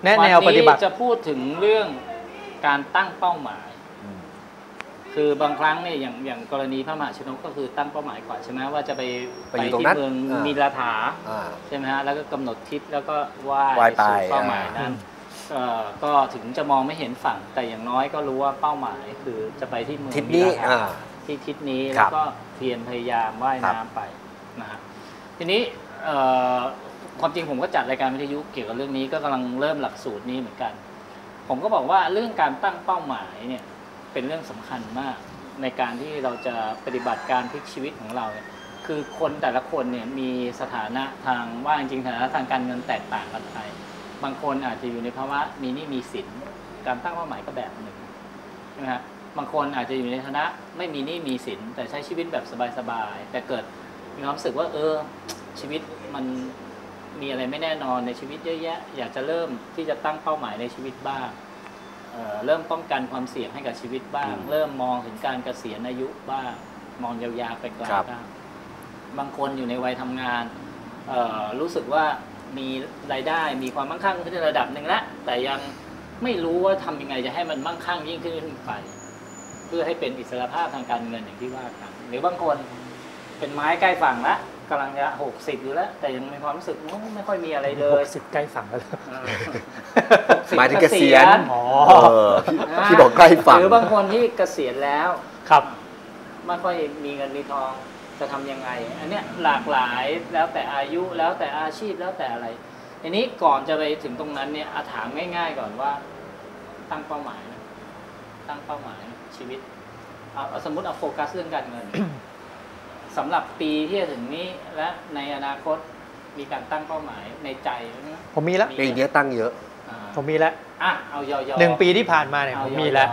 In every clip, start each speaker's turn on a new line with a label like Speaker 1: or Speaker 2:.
Speaker 1: แนวปฏิบัติ
Speaker 2: จะพูดถึงเรื่องการตั้งเป้าหมายคือบางครั้งเนี่ยอย่างกรณีพระมหาชนกก็คือตั้งเป้าหมายก่อนใช่ไหมว่าจะไปที่เมืองมีลาถาใช่ไหมฮะแล้วก็กำหนดทิศแล้วก็ว่ายสู่เป้าหมายนั้นก็ถึงจะมองไม่เห็นฝั่งแต่อย่างน้อยก็รู้ว่าเป้าหมายคือจะไปที่เมืองมีลาถาที่ทิศนี้แล้วก็เพียรพยายามว่ายน้ำไปนะฮะทีนี้ความจริงผมก็จัดรายการวิทยุเกี่ยวกับเรื่องนี้ก็กำลังเริ่มหลักสูตรนี้เหมือนกันผมก็บอกว่าเรื่องการตั้งเป้าหมายเนี่ยเป็นเรื่องสำคัญมากในการที่เราจะปฏิบัติการพลิกชีวิตของเราเนี่ยคือคนแต่ละคนเนี่ยมีสถานะทางว่าจริงๆสถานะทางการเงินแตกต่างกันไปบางคนอาจจะอยู่ในภาวะมีหนี้มีสินการตั้งเป้าหมายก็แบบหนึ่งนะฮะบางคนอาจจะอยู่ในฐานะไม่มีหนี้มีสินแต่ใช้ชีวิตแบบสบายๆแต่เกิดมีความรู้สึกว่าชีวิตมันมีอะไรไม่แน่นอนในชีวิตเยอะแยะอยากจะเริ่มที่จะตั้งเป้าหมายในชีวิตบ้างเริ่มป้องกันความเสี่ยงให้กับชีวิตบ้างเริ่มมองถึงการเกษียณอายุบ้างมองยาวๆไปไกลบ้างบางคนอยู่ในวัยทำงานรู้สึกว่ามีรายได้มีความมั่งคั่งขึ้นในระดับหนึ่งแล้วแต่ยังไม่รู้ว่าทำยังไงจะให้มันมั่งคั่งยิ่งขึ้นไปเพื่อให้เป็นอิสรภาพทางการเงินอย่างที่ว่ากันหรือบางคนเป็นไม้ใกล้ฝั่งแล้วกำลังจะ60อยู่แล้วแต่ยังมีความรู้สึกไม่ค่อยมีอะไรเลย
Speaker 1: 60ใกล้ฝั่งแล้ว
Speaker 3: หมายถึงเกษียณที่บอกใกล้ฝั่ง
Speaker 2: หรือบางคนที่เกษียณแล้ว
Speaker 1: ครับ
Speaker 2: ไม่ค่อยมีเงินมีทองจะทำยังไงอันเนี้ยหลากหลายแล้วแต่อายุแล้วแต่อาชีพแล้วแต่อะไรทีนี้ก่อนจะไปถึงตรงนั้นเนี่ยถามง่ายๆก่อนว่าตั้งเป้าหมายตั้งเป้าหมายชีวิตสมมุติเอาโฟกัสเรื่องการเงินสำหรับปีที่จะถึงนี้และในอนาคตมีการตั้งเป้าหมายในใจไหม
Speaker 1: ผมมีแล้ว
Speaker 3: ปีนี้ตั้งเยอะ
Speaker 1: ผมมีแล้ว
Speaker 2: เอายอ
Speaker 1: 1 ปีที่ผ่านมาเนี่ยผมมีแล้ว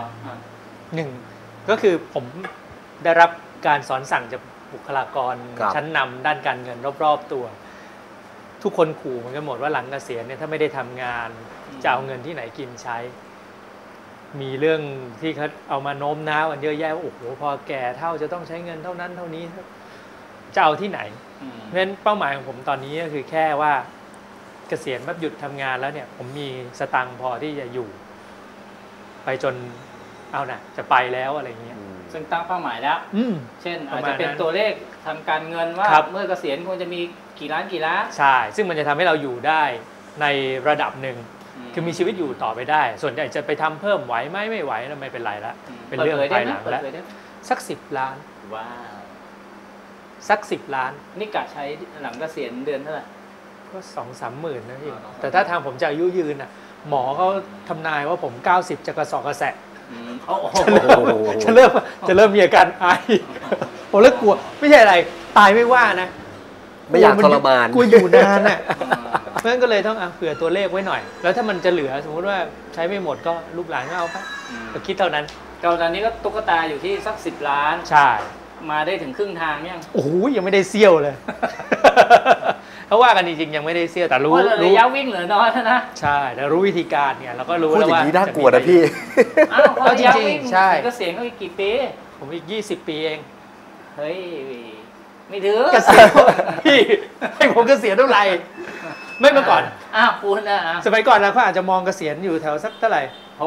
Speaker 1: 1ก็คือผมได้รับการสอนสั่งจากบุคลากรชั้นนำด้านการเงินรอบๆตัวทุกคนขู่เหมือนกันหมดว่าหลังเกษียณเนี่ยถ้าไม่ได้ทำงานจะเอาเงินที่ไหนกินใช้มีเรื่องที่เขาเอามาโน้มน้าวกันเยอะแยะว่าโอ้โหพอแก่เท่าจะต้องใช้เงินเท่านั้นเท่านี้จะเอาที่ไหนเพราะฉะนั้นเป้าหมายของผมตอนนี้ก็คือแค่ว่าเกษียณแบบหยุดทำงานแล้วเนี่ยผมมีสตังค์พอที่จะอยู่ไปจนเอานะจะไปแล้วอะไรเงี้ย
Speaker 2: ซึ่งตั้งเป้าหมายแล้วเช่นอาจจะเป็นตัวเลขทางการเงินว่าเมื่อเกษียณควรจะมีกี่ล้าน
Speaker 1: ใช่ซึ่งมันจะทำให้เราอยู่ได้ในระดับหนึ่งคือมีชีวิตอยู่ต่อไปได้ส่วนใหญ่จะไปทำเพิ่มไหวไหมไม่ไหวแล้วไม่เป็นไรละเป็นเรื่องภายหลังแล้วสัก10 ล้าน
Speaker 2: ว้าว
Speaker 1: สัก10 ล้าน
Speaker 2: นี่กะใช้หลังเกษียณเดือนเท่าไหร่
Speaker 1: ก็2-3 หมื่นนะพี่แต่ถ้าทางผมจะอายุยืนน่ะหมอเขาทำนายว่าผม90จะกระสอบกระแสะจะเริ่มมีอาการไอผมเลิกกลัวไม่ใช่อะไรตายไม่ว่านะ
Speaker 3: ไม่อยากทรมาน
Speaker 1: กลัวอยู่นานน่ะเพราะฉะนั้นก็เลยต้องเผื่อตัวเลขไว้หน่อยแล้วถ้ามันจะเหลือสมมติว่าใช้ไม่หมดก็ลูกหลานก็เอาไปก็คิดเท่านั้น
Speaker 2: ตอนนี้ก็ตุ๊กตาอยู่ที่สัก10 ล้าน
Speaker 1: ใช่
Speaker 2: มาได้ถึงครึ่งทางยัง
Speaker 1: โอ้โหยังไม่ได้เซี่ยวเลยเขาว่ากันจริงๆยังไม่ได้เซี่ยวแต่รู้
Speaker 2: ระยะวิ่งเหลือน้อยนะ
Speaker 1: ใช่แต่รู้วิธีการเนี่ยเราก็รู้แล้วว่า
Speaker 3: พูดอย่างนี้น่ากลัวนะพี่
Speaker 2: ก็จริงๆใช่ก็เสียงก็อีกกี่ปี
Speaker 1: ผมอีก20 ปีเอง
Speaker 2: เฮ้ยไม่ถึง
Speaker 1: เกษียณพี่ให้ผมเกษียณเท่าไหร่ไม่เมื่อก่อน
Speaker 2: คุณ
Speaker 1: สมัยก่อนเราก็อาจจะมองเกษียณอยู่แถวสักเท่าไหร่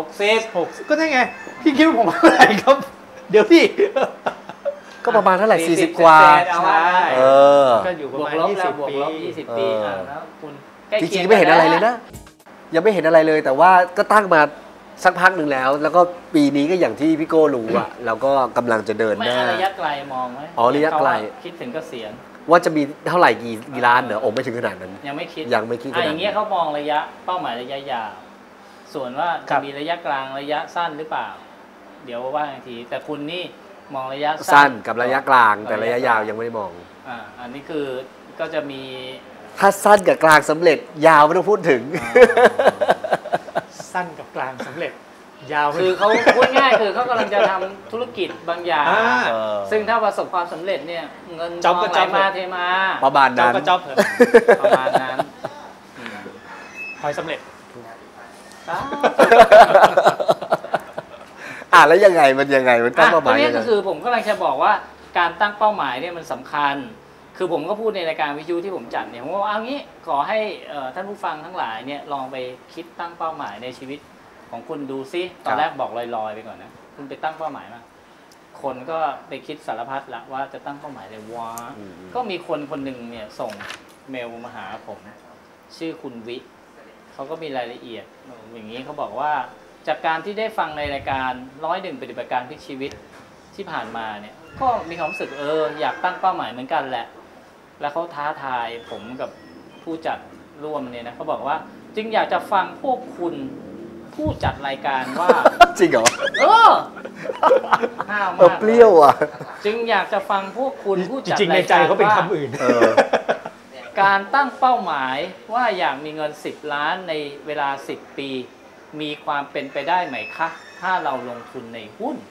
Speaker 2: 60
Speaker 1: ก็ใช่ไงพี่คิดว่าผมเท่าไหร่ครับเดี๋ยวพี่
Speaker 3: ก็ประมาณเท่าไหร่40 กว่า
Speaker 1: ใช่ก็อยู่ประมาณ
Speaker 2: 20 ปีแล้วคุณ
Speaker 3: จริงๆไม่เห็นอะไรเลยนะยังไม่เห็นอะไรเลยแต่ว่าก็ตั้งมาสักพักหนึ่งแล้วก็ปีนี้ก็อย่างที่พี่โก้รู้เราก็กำลังจะเดินหน้า
Speaker 2: ระยะไกลมองไหม
Speaker 3: ระยะไกล
Speaker 2: คิดถึงเกษียณ
Speaker 3: ว่าจะมีเท่าไหร่กี่ล้านเหรอไม่ถึงขนาดนั้น
Speaker 2: ยังไม่คิด
Speaker 3: อย่าง
Speaker 2: เงี้ยเขามองระยะเป้าหมายระยะยาวส่วนว่าจะมีระยะกลางระยะสั้นหรือเปล่าเดี๋ยวว่าอีกทีแต่คุณนี่มองระยะ
Speaker 3: สั้นกับระยะกลางแต่ระยะยาวยังไม่ได้มอง
Speaker 2: อันนี้คือก็จะมี
Speaker 3: ถ้าสั้นกับกลางสำเร็จยาวไม่ต้องพูดถึง
Speaker 1: สั้นกับกลางสำเร็จยาว
Speaker 2: คือเขาพูดง่ายคือเขากำลังจะทำธุรกิจบางอย่างซึ่งถ้าประสบความสำเร็จเนี่ยเงินทองไหลมาเทมา
Speaker 3: ประมาณนั้น
Speaker 2: ประมาณนั้น
Speaker 1: คอยสำเร็จ
Speaker 3: แล้วมันยังไงมันตั้งเป้าหมาย
Speaker 2: นี่ก็คือผมกำลังจะบอกว่าการตั้งเป้าหมายเนี่ยมันสำคัญคือผมก็พูดในรายการวิทยุที่ผมจัดเนี่ยผมว่าเอางี้ขอให้ท่านผู้ฟังทั้งหลายเนี่ยลองไปคิดตั้งเป้าหมายในชีวิตของคุณดูซิตอนแรกบอกลอยๆไปก่อนนะคุณไปตั้งเป้าหมายมาคนก็ไปคิดสารพัดละว่าจะตั้งเป้าหมายอะไรวะก็มีคนหนึ่งเนี่ยส่งเมลมาหาผมชื่อคุณวิเขาก็มีรายละเอียดอย่างนี้เขาบอกว่าจากการที่ได้ฟังในรายการ101ปฏิบัติการพลิกชีวิตที่ผ่านมาเนี่ยก็มีความรู้สึกอยากตั้งเป้าหมายเหมือนกันแหละแล้วเขาท้าทายผมกับผู้จัดร่วมเนี่ยนะเขาบอกว่าจึงอยากจะฟังพวกคุณผู้จัดรายการว่า
Speaker 3: จริงเหรอ
Speaker 2: ห้าวมาก
Speaker 3: เปรี้ยวอ่ะ
Speaker 2: จึงอยากจะฟังพวกคุณผู้จัด
Speaker 1: รายการจริงในใจเขาเป็นคำอื่น
Speaker 2: การตั้งเป้าหมายว่าอยากมีเงิน10 ล้านในเวลา10 ปีมีความเป็นไปได้ไหมคะถ้าเราลงทุนในหุ้น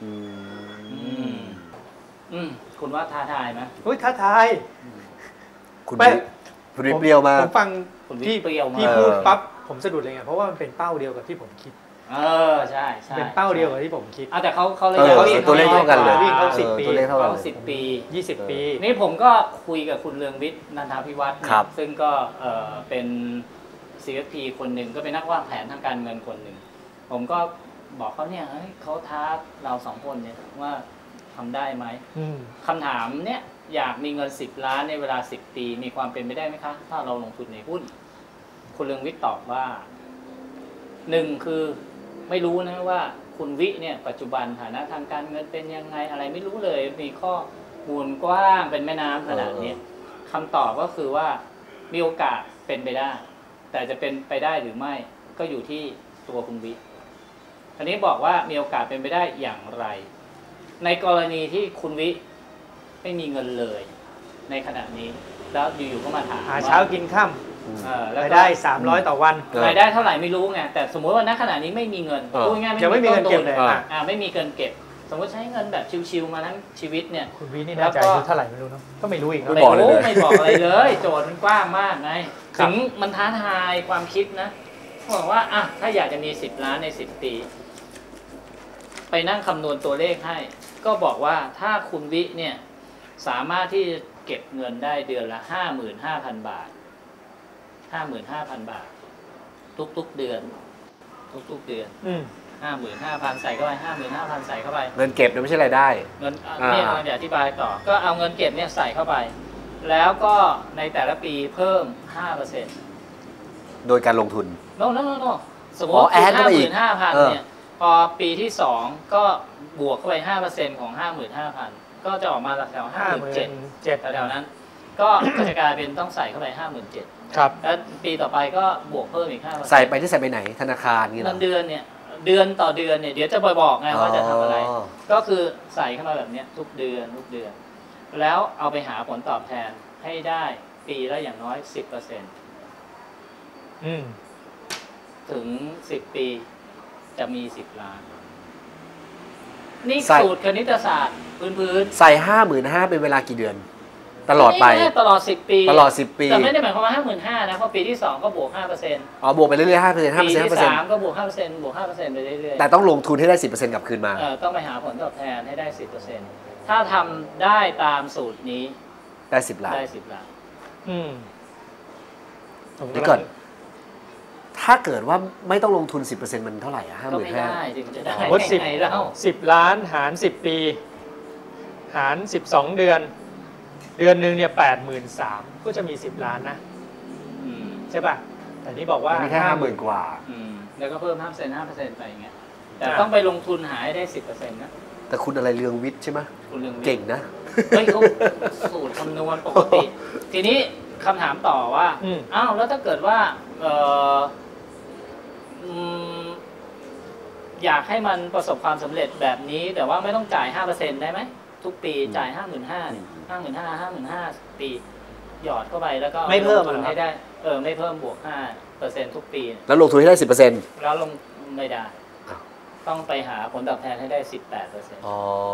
Speaker 2: คุณว่าท้าทายไหม
Speaker 1: ท้าทาย
Speaker 3: คุณเปรี้ยวมาก
Speaker 1: ผมฟังพี่พูดปั๊บผมสะดุดเลยไงเพราะว่ามันเป็นเป้าเดียวกับที่ผมคิด
Speaker 2: ใช่
Speaker 1: เป็นเป้าเดียวกับที่ผมคิด
Speaker 2: แต่เขาเลย
Speaker 3: ตัวเลขเท่ากันเลย
Speaker 1: วิ่งเขา10 ปี
Speaker 3: ตัวเลขเท่ากัน
Speaker 2: 10 ปี
Speaker 1: 20 ปี
Speaker 2: นี่ผมก็คุยกับคุณเรืองวิทย์นันทพิวัฒน์ซึ่งก็เป็น CFP คนหนึ่งก็เป็นนักวางแผนทางการเงินคนหนึ่งผมก็บอกเขาเนี่ยเขาท้าเรา2 คนเนี่ยว่าทำได้ไหมคำถามเนี่ยอยากมีเงิน10 ล้านในเวลา10 ปีมีความเป็นไปได้ไหมคะถ้าเราลงทุนในหุ้นคุณเรืองวิทย์ตอบว่า1คือไม่รู้นะว่าคุณวิเนี่ยปัจจุบันฐานะทางการเงินเป็นยังไงอะไรไม่รู้เลยมีข้อมูลกว้างเป็นแม่น้ำขนาดนี้คำตอบก็คือว่ามีโอกาสเป็นไปได้แต่จะเป็นไปได้หรือไม่ก็อยู่ที่ตัวคุณวิทีนี้บอกว่ามีโอกาสเป็นไปได้อย่างไรในกรณีที่คุณวิไม่มีเงินเลยในขณะนี้แล้วอยู่ๆก็มาถาม
Speaker 1: หาเช้ากินค่ำรายได้300ต่อวัน
Speaker 2: รายได้เท่าไหร่ไม่รู้ไงแต่สมมติว่าณขณะนี้ไม่มีเงินพูดง่ายๆ
Speaker 1: ไม่มีเงินเก็บเลย
Speaker 2: ไม่มีเงินเก็บสมมติใช้เงินแบบชิวๆมาทั้งชีวิตเนี่ย
Speaker 1: คุณวินี่น่าจะเท่าไหร่ไม่รู้เนาะก็ไม่รู้อีก
Speaker 2: ไม่บอกอะไรเลยโจทย์มันกว้างมากไงถึงมันท้าทายความคิดนะบอกว่าถ้าอยากจะมี10 ล้านใน10 ปีไปนั่งคำนวณตัวเลขให้ก็บอกว่าถ้าคุณวิเนี่ยสามารถที่จะเก็บเงินได้เดือนละ 55,000 บาท 55,000 บาททุกๆเดือนทุกๆเดือน55,000 ใส่เข้าไป 55,000 ใส่เข้าไป
Speaker 3: เงินเก็บเนี่ยไม่ใช่รายได้
Speaker 2: เงินเนี่ยเราจะอธิบายต่อก็เอาเงินเก็บเนี่ยใส่เข้าไปแล้วก็ในแต่ละปีเพิ่ม 5%
Speaker 3: โดยการลงทุน
Speaker 2: โน่สมมติ 55,000 เนี่ยพอปีที่2ก็บวกเข้าไป 5% ของ 55,000 ก็จะออกมาแถว 57,000 แถวนั้นก็จะกลายเป็นต้องใส่เข้าไป 57,000
Speaker 1: ครับ
Speaker 2: แล้วปีต่อไปก็บวกเพิ่มอีก 5%
Speaker 3: ใส่ไปที่ใส่ไปไหนธนาคารนี่
Speaker 2: เงินเดือนเนี่ยเดือนต่อเดือนเนี่ยเดี๋ยวจะบอกไงว่าจะทำอะไรก็คือใส่เข้ามาแบบนี้ทุกเดือนแล้วเอาไปหาผลตอบแทนให้ได้ปีละอย่างน้อย 10% ถึง10 ปีจะมี10 ล้านนี่สูตรคณิตศาสตร์พื้น
Speaker 3: ใส่ 55,000 เป็นเวลากี่เดือนตลอดไป
Speaker 2: ตลอด10 ปี
Speaker 3: ตลอด10 ปี
Speaker 2: แต่ไม่ได้หมายความว่า 55,000 นะเพราะปีที่2ก็บวก 5%
Speaker 3: บวกไปเรื่อยๆ 5%
Speaker 2: ปีที่3ก็บวก 5% บวก 5% ไปเรื่อยๆ
Speaker 3: แต่ต้องลงทุนให้ได้ 10% กลับคืนมา
Speaker 2: ต้องไปหาผลตอบแทนให้ได้ 10% ถ้าทำได้ตามสูตรนี้
Speaker 3: ได้10 ล้าน
Speaker 2: ได้10 ล้าน
Speaker 3: นี่ก่อนถ้าเกิดว่าไม่ต้องลงทุน 10% มันเท่าไหร่55,000
Speaker 2: ก็ไม่ได้ถึงจะได้
Speaker 1: 10 ล้านหาร10 ปีหาร12 เดือนเดือนหนึ่งเนี่ย83,000ก็จะมี10 ล้านนะใช่ป่ะแต่นี่บอกว่า
Speaker 3: แค่50,000 กว่า
Speaker 2: แล้วก็เพิ่ม 5% ไปอย่างเงี้ยแต่ต้องไปลงทุนหาให้ได้ 10% นะ
Speaker 3: แต่คุณอะไรเรืองวิทย์ใช่ไหม
Speaker 2: คุณเรืองวิทย์
Speaker 3: เก่งนะ
Speaker 2: เขาสูตรคำนวณปกติทีนี้คำถามต่อว่าแล้วถ้าเกิดว่าอยากให้มันประสบความสำเร็จแบบนี้แต่ว่าไม่ต้องจ่าย 5% ได้ไหมทุกปีจ่าย 55,000 ปีหยอดเข้าไปแล้วก็
Speaker 1: ไม่เพิ่ม
Speaker 2: ให้ได้ไม่เพิ่มบวก 5% ทุกปี
Speaker 3: แล้วลงทุนให้ได้ 10%
Speaker 2: แล้วลงไม่ได้ต้องไปหาผลตอบแทนให้ได้ 18%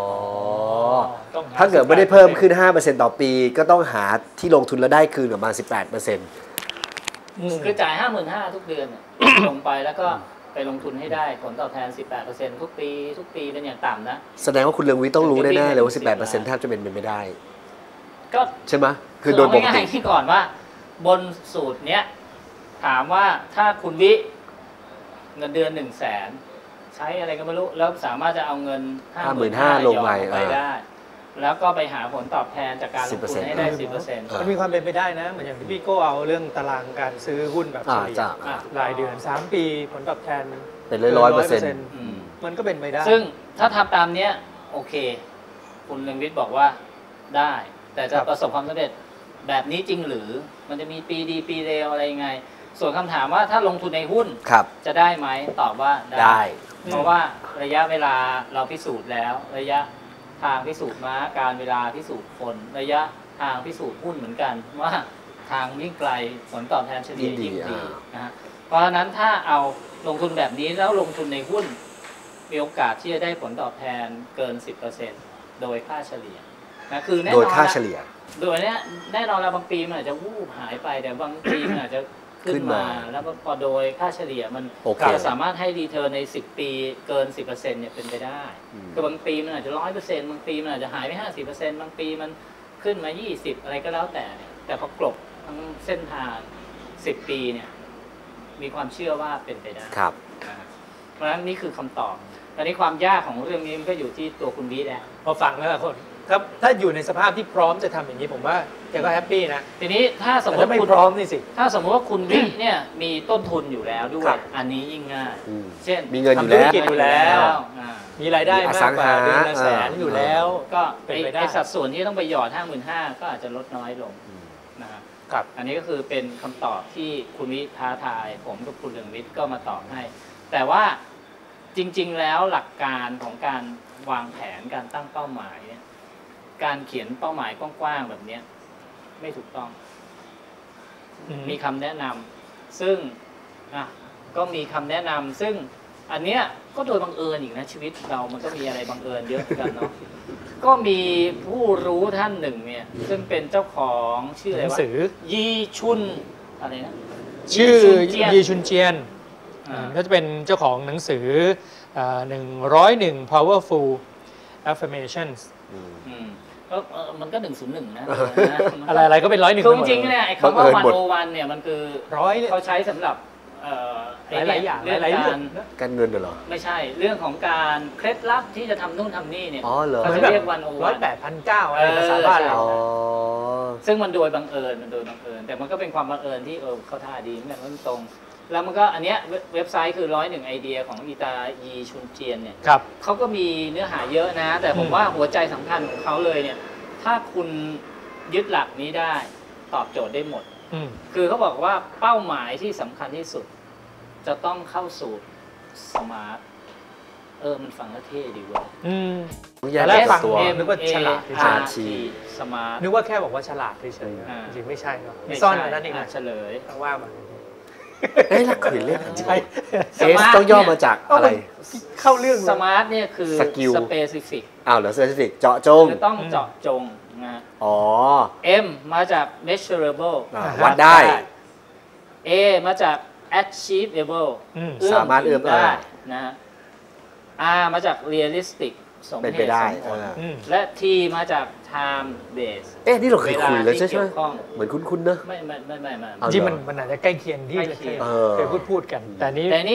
Speaker 3: ถ้าเกิดไม่ได้เพิ่มขึ้น 5% ต่อปีก็ต้องหาที่ลงทุนแล้วได้คืนประมาณ 18%
Speaker 2: คือจ่าย 55,000 ทุกเดือนลงไปแล้วก็ไปลงทุนให้ได้ผลตอบแทน 18% ทุกปีเป็นอย่างต่ำนะ
Speaker 3: แสดงว่าคุณเรืองวิทย์ต้องรู้แน่ๆเลยว่า 18% แทบจะเป็นไปไม่ได้
Speaker 2: ก็
Speaker 3: ใช่ไหม
Speaker 2: คือโดยปกติที่ก่อนว่าบนสูตรเนี้ยถามว่าถ้าคุณวิเงินเดือน100,000ใช้อะไรก็ไม่รู้แล้วสามารถจะเอาเงิน
Speaker 3: 55,000 ลงไป
Speaker 2: ได้แล้วก็ไปหาผลตอบแทนจากการลงทุนให้ได้ 10%
Speaker 1: มันมีความเป็นไปได้นะเหมือนอย่างที่พี่โก้เอาเรื่องตารางการซื้อหุ้นแบบเฉลี่ยรายเดือน3 ปีผลตอบแทน
Speaker 3: เป็น100%
Speaker 1: มันก็เป็นไปได้
Speaker 2: ซึ่งถ้าทำตามนี้โอเคคุณเรืองวิทย์บอกว่าได้แต่จะประสบความสำเร็จแบบนี้จริงหรือมันจะมีปีดีปีเลวอะไรยังไงส่วนคำถามว่าถ้าลงทุนในหุ้นจะได้ไหมตอบว่าได้เพราะว่าระยะเวลาเราพิสูจน์แล้วระยะทางพิสูจน์ม้าการเวลาพิสูจน์คนระยะทางพิสูจน์หุ้นเหมือนกันว่าทางยิ่งไกลผลตอบแทนเฉลี่ยยิ่งดีนะฮะเพราะฉะนั้นถ้าเอาลงทุนแบบนี้แล้วลงทุนในหุ้นมีโอกาสที่จะได้ผลตอบแทนเกิน 10% โดยค่าเฉลี่ยนะคือแน่นอนโดยค่าเฉลี่ยโดยนี้แน่นอนแล้วบางปีมันอาจจะวูบหายไปแต่บางปีมันอาจจะขึ้นมาแล้วพอโดยค่าเฉลี่ยมันจะสามารถให้รีเทิร์นใน10 ปีเกิน 10% เนี่ยเป็นไปได้คือบางปีมันอาจจะ 100% บางปีมันอาจจะหายไป 50% บางปีมันขึ้นมา20อะไรก็แล้วแต่พอกลบทั้งเส้นทาง10 ปีเนี่ยมีความเชื่อว่าเป็นไปได้
Speaker 3: ครับ
Speaker 2: เพราะฉะนั้นนี่คือคำตอบตอนนี้ความยากของเรื่องนี้มันก็อยู่ที่ตัวคุณวิทย์แหละ
Speaker 1: พอฟังแล้วคนครับถ้าอยู่ในสภาพที่พร้อมจะทำอย่างนี้ผมว่าแกก็แฮปปี้นะ
Speaker 2: ทีนี้ถ้าสมมติ
Speaker 1: ไม่พร้อมนี่สิ
Speaker 2: ถ้าสมมติว่าคุณวิเนี่ยมีต้นทุนอยู่แล้วด้วยอันนี้ยิ่งง่ายเช่น
Speaker 3: มีเงินอยู่
Speaker 1: แล้วมีรายได้มากกว่าเดือนละ100,000อยู่แล้ว
Speaker 2: ก็เป็นไปได้สัดส่วนที่ต้องไปหยอด 55,000 ก็อาจจะลดน้อยลงนะครับอันนี้ก็คือเป็นคำตอบที่คุณวิท้าทายผมกับคุณเรืองวิทย์ก็มาตอบให้แต่ว่าจริงๆแล้วหลักการของการวางแผนการตั้งเป้าหมายเนี่ยการเขียนเป้าหมายกว้างๆแบบนี้ไม่ถูกต้องมีคำแนะนำซึ่งก็มีคำแนะนำซึ่งอันเนี้ยก็โดยบังเอิญอีกนะชีวิตเรามันก็มีอะไรบังเอิญเยอะกันเนาะก็มีผู้รู้ท่านหนึ่งเนี่ยซึ่งเป็นเจ้าของชื่ออะไรวะยีชุนอะไรนะ
Speaker 1: ชื่อยีชุนเจียนก็จะเป็นเจ้าของหนังสือ101 powerful affirmations
Speaker 2: มันก็101นะ
Speaker 1: อะไรก็เป็น101
Speaker 2: จริงๆเนี่ยไอ้คำว่า101เนี่ยมันคือเขาใช้สำหรับ
Speaker 1: หลายอย่างหลายเรื่อง
Speaker 3: การเงินเหรอ
Speaker 2: ไม่ใช่เรื่องของการเคล็ดลับที่จะทำนู่นทำนี่เนี่ย
Speaker 1: เขาจะเรียก108,900อะไรภาษาบ้านเรา
Speaker 2: ซึ่งมันโดยบังเอิญแต่มันก็เป็นความบังเอิญที่เขาท่าดีเนี่ยมันตรงแล้วมันก็อันเนี้ยเว็บไซต์คือ101 ไอเดียของอีตายีชุนเจียนเนี่ยเขาก็มีเนื้อหาเยอะนะแต่ผมว่าหัวใจสำคัญของเขาเลยเนี่ยถ้าคุณยึดหลักนี้ได้ตอบโจทย์ได้หมดคือเขาบอกว่าเป้าหมายที่สำคัญที่สุดจะต้องเข้าสู่สมาร์ทมันฟังแล้วเท่ดีเว้ย
Speaker 1: แล้วฟังนึกว่าฉลาด
Speaker 2: สมาร์ท
Speaker 1: นึกว่าแค่บอกว่าฉลาดเฉยๆจริงไม่ใช่เนาะมีซ่อนอันนั้นเอง
Speaker 2: เฉลย
Speaker 1: ต้องว่ามา
Speaker 3: ลักขืนเล่นใช่ต้องย่อมาจากอะไร
Speaker 1: เข้าเรื่อง
Speaker 2: สมาร์ทเนี่ยคือสเปซิฟิก
Speaker 3: เหรอสเปซิฟิกเจาะจง
Speaker 2: ต้องเจาะจงนะM มาจาก measurable
Speaker 3: วัดได้
Speaker 2: A มาจาก achievable
Speaker 3: สามารถเอื้อมได้
Speaker 2: นะ R มาจาก realistic สมเหตุสมผลและ T มาจาก time base
Speaker 3: นี่เราเคยคุยแล้วใช่ไหมเหมือนคุ้นๆเนอะ
Speaker 2: ไม่
Speaker 1: จริงมันอาจจะใกล้เคียงที่เคยพูดกันแต่
Speaker 2: นี้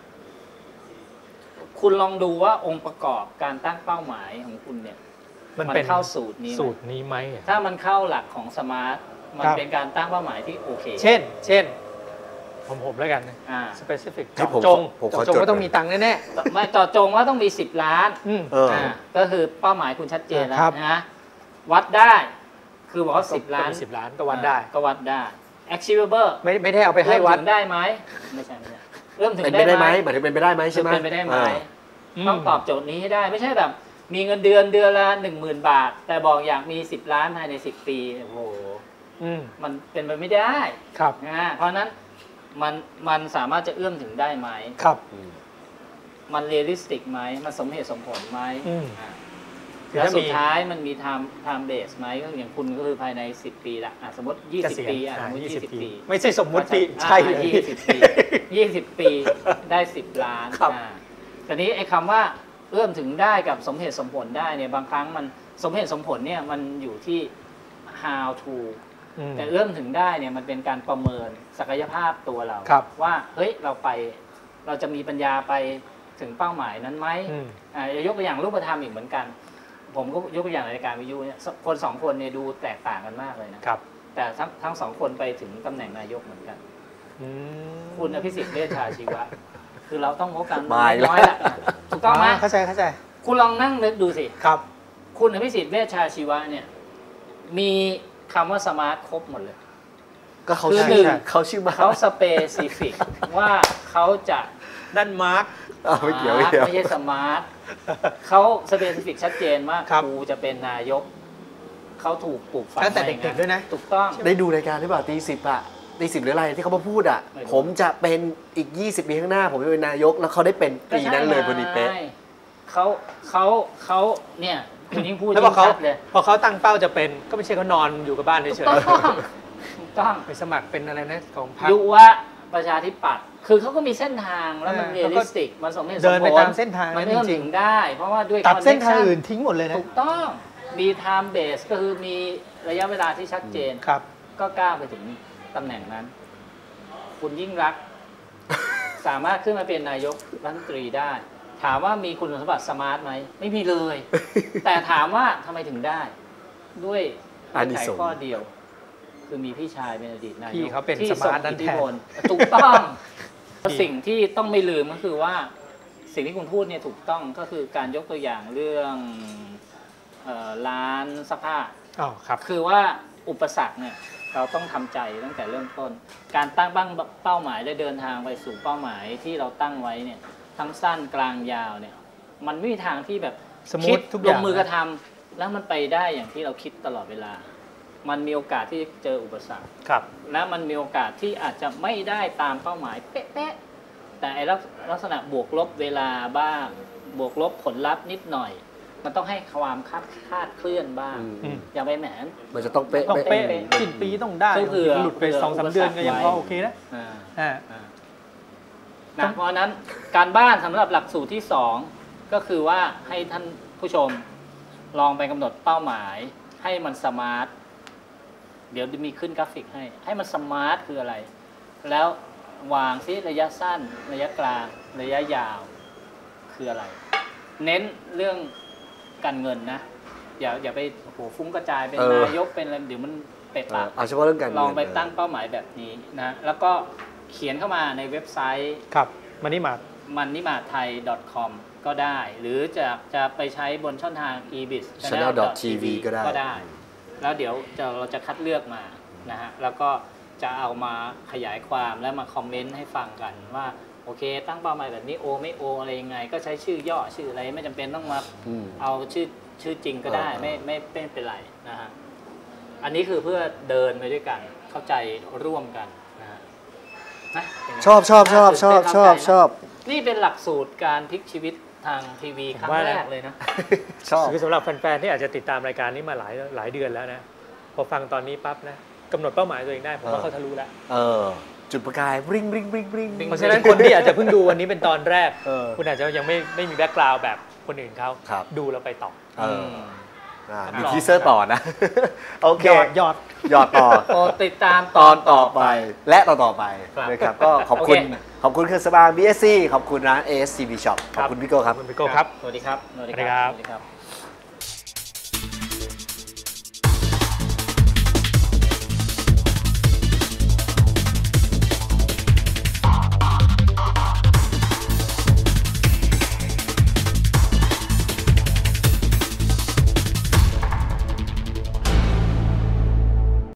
Speaker 2: คุณลองดูว่าองค์ประกอบการตั้งเป้าหมายของคุณเนี่ยมันเข้าสูตร
Speaker 1: นี้ไหม
Speaker 2: ถ้ามันเข้าหลักของสมาร์ทมันเป็นการตั้งเป้าหมายที่โอเค
Speaker 1: เช่นผมแล้วกันspecific เจาะจงว่าต้องมีตังค์แน่
Speaker 2: ๆไม่เจาะจงว่าต้องมี10 ล้านก็คือเป้าหมายคุณชัดเจนแล้วนะวัดได้คือบอกว่า10 ล้าน
Speaker 1: 10 ล้านก็วัดได้
Speaker 2: achievable
Speaker 1: ไม่ได้เอาไปให้วัด
Speaker 2: ได้ไหมไม่ใช่เริ่มถึง
Speaker 3: ได้ไหมหมายถึงเป็นไปได้ไหมใช่ไหม
Speaker 2: เป็นไปได้ไหมต้องตอบโจทย์นี้ให้ได้ไม่ใช่แบบมีเงินเดือนละ 10,000 บาทแต่บอกอยากมี10 ล้านภายใน10 ปีโอ้โหมันเป็นไปไม่ได้นะเพราะนั้นมันสามารถจะเอื้อมถึงได้ไหม
Speaker 1: ครับ
Speaker 2: มันเรียลลิสติกไหมมันสมเหตุสมผลไหมแล้วสุดท้ายมันมีtime base ไหมก็อย่างคุณก็คือภายใน10 ปีละสมมติ20 ปีสมมติ20 ปี
Speaker 1: ไม่ใช่สมมติใช่เลย
Speaker 2: 20 ปีได้10 ล้านแต่นี้ไอ้คำว่าเอื้อมถึงได้กับสมเหตุสมผลได้เนี่ยบางครั้งมันสมเหตุสมผลเนี่ยมันอยู่ที่ how to แต่เอื้อมถึงได้เนี่ยมันเป็นการประเมินศักยภาพตัวเราว่าเฮ้ยเราจะมีปัญญาไปถึงเป้าหมายนั้นไหมยกตัวอย่างรูปธรรมอีกเหมือนกันผมก็ยกตัวอย่างรายการวิทยุเนี่ยคน2 คนเนี่ยดูแตกต่างกันมากเลยนะครับแต่ทั้ง2 คนไปถึงตำแหน่งนายกเหมือนกันคุณอภิสิทธิ์เวชชาชีวะคือเราต้องพบกันน้อยแหละถูกต้องไหม
Speaker 1: เข้าใจ
Speaker 2: คุณลองนั่งนึกดูสิ
Speaker 1: ครับ
Speaker 2: คุณอภิสิทธิ์เวชชาชีวะเนี่ยมีคำว่าสมาร์ทครบหมดเลย
Speaker 3: ก็เขาชื่อมา
Speaker 2: เขาสเปซิฟิกว่าเขาจะ
Speaker 1: นั่นมาร์ค
Speaker 3: ไม่เกี่ยว
Speaker 2: ไม่ใช่สมาร์ทเขาสเปซิฟิกชัดเจนว่าครูจะเป็นนายกเขาถูกปลูกฝัง
Speaker 1: ตั้งแต่เด็กๆด้วยนะ
Speaker 2: ถูกต้อง
Speaker 3: ได้ดูรายการหรือเปล่าตี10อ่ะตี10หรืออะไรที่เขามาพูดอ่ะผมจะเป็นอีก20 ปีข้างหน้าผมจะเป็นนายกแล้วเขาได้เป็นปีนั้นเลยพอดีเป๊ะ
Speaker 2: เขาเนี่ยคุณยิ่งพูดยิ่งชัดเลย
Speaker 1: พอเขาตั้งเป้าจะเป็นก็ไม่ใช่เขานอนอยู่กับบ้านเฉย
Speaker 2: ๆถูกต้อง
Speaker 1: ไปสมัครเป็นอะไรนะของพรรค
Speaker 2: ยุวประชาธิปัตย์คือเขาก็มีเส้นทางแล้วมันเรียลลิสติกมันสมเหตุสมผล
Speaker 1: เดินไปตามเส้นทาง
Speaker 2: มันเอื้อมถึงได้เพราะว่าด้วย
Speaker 1: ตัดเส้นทางอื่นทิ้งหมดเลยนะ
Speaker 2: ถูกต้องมีไทม์เบสก็คือมีระยะเวลาที่ชัดเจนก็ก้าวไปถึงตำแหน่งนั้นคุณยิ่งรักสามารถขึ้นมาเป็นนายกรัฐมนตรีได้ถามว่ามีคุณสมบัติสมาร์ทไหมไม่มีเลยแต่ถามว่าทำไมถึงได้ด้วยไขข้อเดียวคือมีพี่ชายเป็นอดีตนายก
Speaker 1: ที่เขาเป็นสมาร์ทนั่นแทน
Speaker 2: ถูกต้องสิ่งที่ต้องไม่ลืมก็คือว่าสิ่งที่คุณพูดเนี่ยถูกต้องก็คือการยกตัวอย่างเรื่องร้านซักผ้าคือว่าอุปสรรคเนี่ยเราต้องทำใจตั้งแต่เริ่มต้นการตั้งเป้าหมายและเดินทางไปสู่เป้าหมายที่เราตั้งไว้เนี่ยทั้งสั้นกลางยาวเนี่ยมันไม่มีทางที่แบบ
Speaker 1: คิด
Speaker 2: ลงมือกระทำแล้วมันไปได้อย่างที่เราคิดตลอดเวลามันมีโอกาสที่จะเจออุปสรรคและมันมีโอกาสที่อาจจะไม่ได้ตามเป้าหมายเป๊ะๆแต่ลักษณะบวกลบเวลาบ้างบวกลบผลลัพธ์นิดหน่อยมันต้องให้ความคาดเคลื่อนบ้างอย่าไปแหม
Speaker 3: มันจะต้องเป๊ะ
Speaker 1: สิ้นปีต้องได้หลุดไป2-3 เดือนก็ยังพอโอเคนะ
Speaker 2: เพราะนั้นการบ้านสำหรับหลักสูตรที่2ก็คือว่าให้ท่านผู้ชมลองไปกำหนดเป้าหมายให้มันสมาร์ทเดี๋ยวมีขึ้นกราฟิกให้มันสมาร์ทคืออะไรแล้ววางซิระยะสั้นระยะกลางระยะยาวคืออะไรเน้นเรื่องการเงินนะอย่าไปฟุ้งกระจายเป็นนายกเป็นอะไรเดี๋ยวมันเป็ดปาก
Speaker 3: เอาเฉพาะเรื่องการเงิน
Speaker 2: ลองไปตั้งเป้าหมายแบบนี้นะแล้วก็เขียนเข้ามาในเว็บไซต์
Speaker 1: ครับ
Speaker 2: manimarthai.com ก็ได้หรือจะไปใช้บนช่องทาง
Speaker 3: ebis.channel.tv ก็
Speaker 2: ได้แล้วเดี๋ยวเราจะคัดเลือกมานะฮะแล้วก็จะเอามาขยายความและมาคอมเมนต์ให้ฟังกันว่าโอเคตั้งเป้าหมายแบบนี้โอไม่โออะไรยังไงก็ใช้ชื่อย่อชื่ออะไรไม่จำเป็นต้องมาเอาชื่อจริงก็ได้ไม่เป็นไรนะฮะอันนี้คือเพื่อเดินไปด้วยกันเข้าใจร่วมกันนะฮะ
Speaker 3: ชอบ
Speaker 2: นี่เป็นหลักสูตรการพลิกชีวิตทางทีวีครั้งแรกเลยนะ
Speaker 1: ชอบคือสำหรับแฟนๆที่อาจจะติดตามรายการนี้มาหลายเดือนแล้วนะพอฟังตอนนี้ปั๊บนะกำหนดเป้าหมายตัวเองได้ผมว่าเขาทะลุแล้ว
Speaker 3: จุดประกายบริง
Speaker 1: เพราะฉะนั้นคนที่อาจจะเพิ่งดูวันนี้เป็นตอนแรกคุณอาจจะยังไม่มีแบ็คกราวด์แบบคนอื่นเขาดูแล้วไปต่อ
Speaker 3: มีทีเซอร์ต่อนะโอเค
Speaker 1: ยอด
Speaker 3: ต่อ
Speaker 2: ติดตาม
Speaker 3: ตอนต่อไปและต่อไปนะครับก็ขอบคุณเครื่องสำอาง BSC ขอบคุณร้าน ASCB Shop ขอบคุณพี่โก้ครับ
Speaker 1: คุณพี่โก้ครับ
Speaker 2: สวัสดีครับ